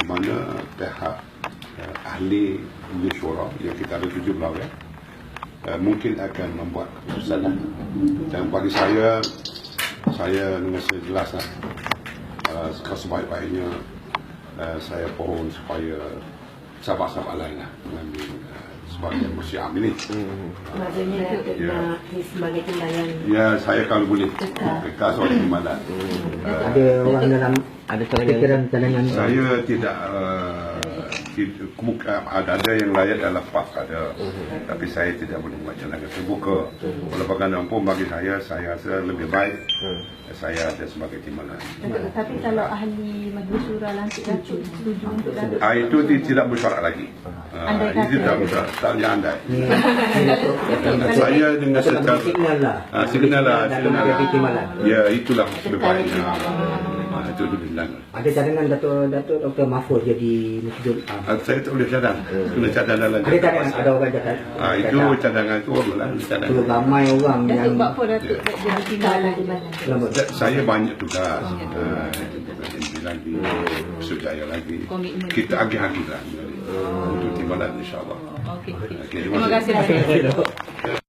mana pihak ahli mesyuarat yang kita ada 7 pegawai mungkin akan membuat keputusan. Dan bagi saya dengan sejelas sebaik-baiknya saya pohon supaya sahabat-sahabat lain mengambil sebagai musyam ini. Maksudnya nak sebagai timbalan. Ya, saya kalau boleh kekal sebagai timbalan. Ada orang dalam ada fikiran cadangan. Saya tidak ada yang layak dalam PAK ada, tapi saya tidak boleh buat jalan terbuka. Walau bagaimanapun bagi saya rasa lebih baik saya ada sebagai timbalan. Tapi kalau ahli Majlis Syura lantik Datuk setuju untuk Datuk, Itu tidak bersyarat lagi. Itu tidak bersyarat, tak boleh andai. Saya dengan secara signal lah. Ya, itulah lebih baiknya. Itu bilang. Ada cadangan Datuk Dr. Mahfuz jadi Masjidul Am. Saya tak boleh cadang. Kena cadang dalam. Ada cadangan, ada orang cakap. Itu cadangan itu lah. Itu ramai orang Datuk yang buat apa Datuk tak jadi timbalan? Saya banyak tugas. Lagi, Sujaya lagi. Kita agih-agih lah untuk timbalan insyaAllah. Okey. Okey, Terima kasih.